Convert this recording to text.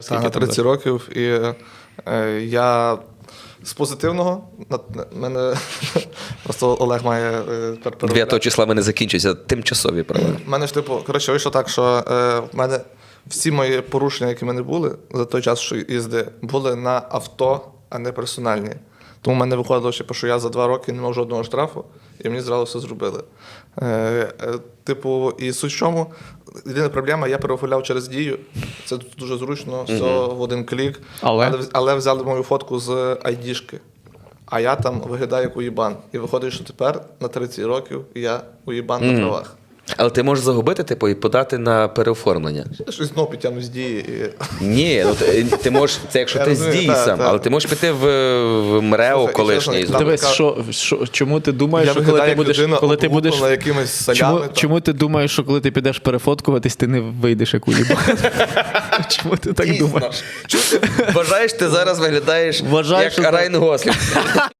На 30 років, і я з позитивного, мене просто Олег має 9 числа мене закінчуються тимчасові права. У мене ж, типу, коротше, вийшло так, що в мене всі мої порушення, які в мене були за той час, що їзди, були на авто, а не персональні. Тому в мене виходило, що я за 2 роки не мав жодного штрафу, і мені зразу все зробили. Типу, і суть в чому, єдина проблема, я переоформляв через Дію. Це дуже зручно, все в один клік. Але взяли мою фотку з айдішки. А я там виглядаю як уїбан. І виходить, що тепер на 30 років я уїбан на правах. Але ти можеш загубити, типу, і подати на переоформлення. Я щось знову підтягну з Дії. І... Ні, ну ти можеш, це якщо ти з Дії сам, але ти можеш піти в МРЕО колишній. Дивись, чому ти думаєш, що коли ти будеш якимись солями, чому ти думаєш, що коли ти підеш перефоткуватись, ти не вийдеш як уїбан? Чому ти так думаєш? Вважаєш, ти зараз виглядаєш як Райан Гослінг.